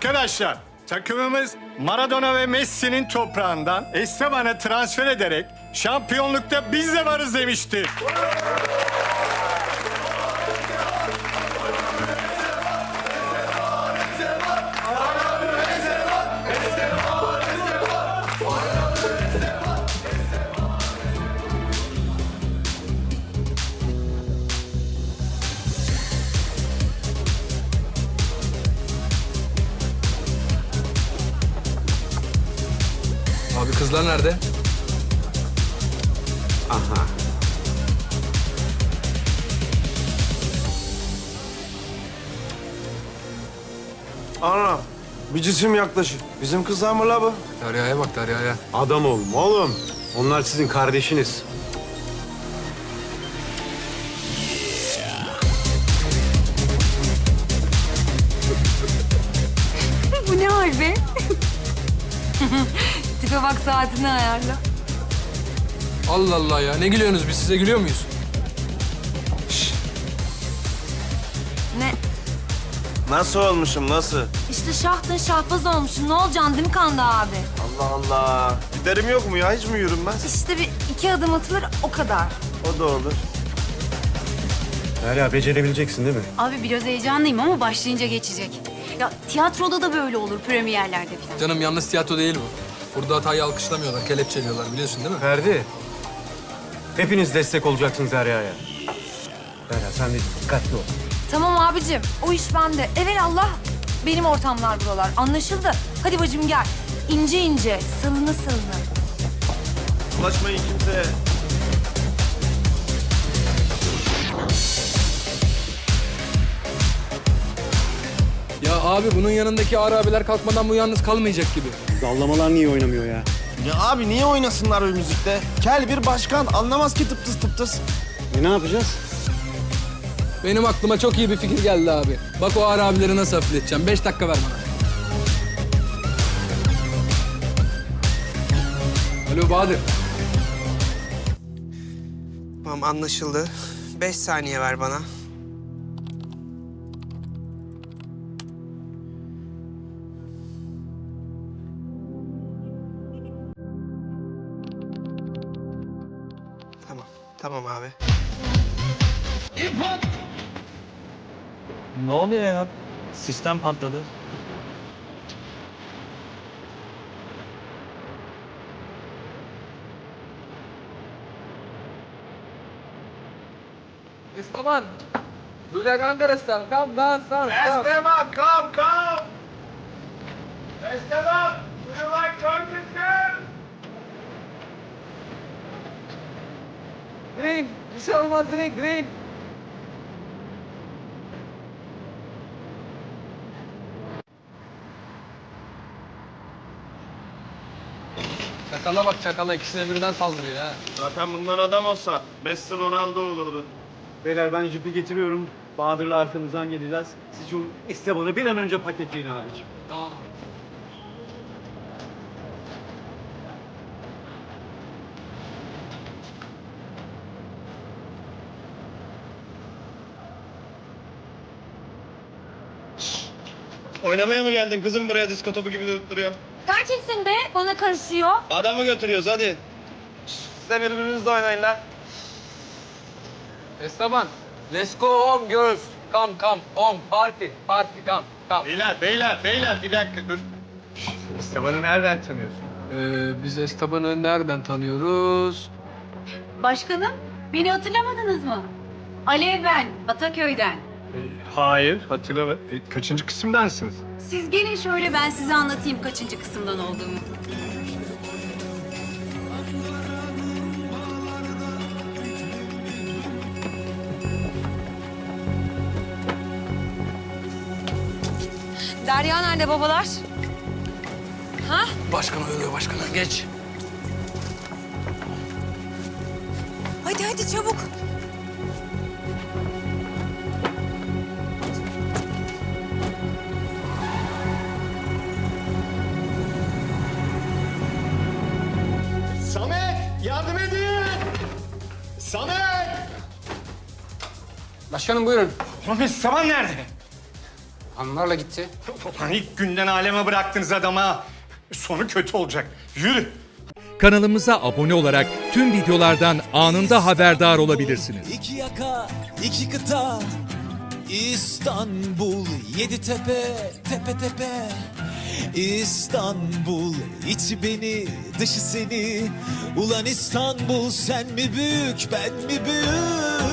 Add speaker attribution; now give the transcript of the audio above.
Speaker 1: Arkadaşlar, takımımız Maradona ve Messi'nin toprağından Esteban'ı transfer ederek şampiyonlukta biz de varız demişti.
Speaker 2: Abi kızlar nerede?
Speaker 3: Aha.
Speaker 4: Ana, bir cisim yaklaşık. Bizim kızlar mı la bu?
Speaker 2: Derya'ya bak Derya'ya.
Speaker 3: Adam oğlum, oğlum. Onlar sizin kardeşiniz.
Speaker 5: Bu ne hal be? Tipe bak, saatini ayarla.
Speaker 2: Allah Allah ya. Ne gülüyorsunuz? Biz size gülüyor muyuz?
Speaker 5: Ne?
Speaker 4: Nasıl olmuşum, nasıl?
Speaker 5: İşte şahtın şahbaz olmuşsun. Ne olacaksın değil mi Kanda abi?
Speaker 4: Allah Allah. Giderim yok mu ya? Hiç mi yürünmez?
Speaker 5: İşte bir iki adım atılır, o kadar.
Speaker 4: O da olur.
Speaker 3: Derya, becerebileceksin değil mi?
Speaker 6: Abi biraz heyecanlıyım ama başlayınca geçecek. Ya tiyatroda da böyle olur, premierlerde falan.
Speaker 2: Canım yalnız tiyatro değil bu. Burada hatayı alkışlamıyorlar, kelepçeliyorlar biliyorsun değil mi?
Speaker 3: Ferdi. Hepiniz destek olacaksınız Derya'ya. Derya, sen de dikkatli ol.
Speaker 5: Tamam abicim, o iş bende. Evelallah benim ortamlar buralar. Anlaşıldı. Hadi bacım gel. İnce ince, salını salını.
Speaker 4: Ulaşmayın kimseye.
Speaker 2: Ya abi bunun yanındaki ağır abiler kalkmadan bu yalnız kalmayacak gibi.
Speaker 3: Dallamalar niye oynamıyor ya?
Speaker 4: Ya abi niye oynasınlar o müzikte? Kel bir başkan anlamaz ki tıptıs tıptıs.
Speaker 3: Ne yapacağız?
Speaker 2: Benim aklıma çok iyi bir fikir geldi abi. Bak o ağır abileri nasıl hafifleteceğim. 5 dakika ver bana. Alo Bahadır.
Speaker 7: Tamam anlaşıldı. 5 saniye ver bana. Tamam. Tamam abi.
Speaker 8: Ne oluyor ya? Sistem patladı.
Speaker 2: Esteban. Böyle kankarastan. Come down, son.
Speaker 4: Esteban, come! Esteban, would you like Turkish?
Speaker 2: Green. Bir şey olmaz drink, green. Çakala bak çakala. İkisine birden saldırıyor ha.
Speaker 4: Zaten bundan adam olsa Messi Ronaldo olurdu.
Speaker 3: Beyler, ben jipi getiriyorum. Bahadır'la arkanızdan geleceğiz. Siz şu Esteban'ı bir an önce paketleyin abiciğim.
Speaker 2: Tamam.
Speaker 4: Oynamaya mı geldin kızım buraya disko topu gibi duruyor?
Speaker 5: Gerçeksin be, bana karışıyor.
Speaker 4: Adamı götürüyoruz hadi. Siz de birbirinizle oynayın lan.
Speaker 2: Esteban. Let's go home girls. Come, home. Party, come.
Speaker 4: Beyler bir dakika dur.
Speaker 3: Esteban'ı nereden tanıyorsun?
Speaker 2: Biz Esteban'ı nereden tanıyoruz?
Speaker 6: Başkanım, beni hatırlamadınız mı? Alev ben, Ataköy'den.
Speaker 3: Hayır, hatırlamadım. Kaçıncı kısımdansınız?
Speaker 6: Siz gelin şöyle ben size anlatayım kaçıncı kısımdan olduğumu.
Speaker 5: Derya nerede babalar? Ha?
Speaker 2: Başkan oyalıyor başkanı. Geç.
Speaker 5: Hadi çabuk.
Speaker 1: Samet, yardım edin! Samet!
Speaker 2: Başkanım buyurun.
Speaker 1: Oğlum Esteban nerede?
Speaker 9: Hanımlarla gitti.
Speaker 1: Ulan ilk günden aleme bıraktınız adama. Sonu kötü olacak. Yürü.
Speaker 10: Kanalımıza abone olarak tüm videolardan anında haberdar olabilirsiniz.
Speaker 11: İki yaka, iki kıta, İstanbul, yedi tepe, tepe tepe. İstanbul, içi beni, dışı seni. Ulan İstanbul, sen mi büyük, ben mi büyük?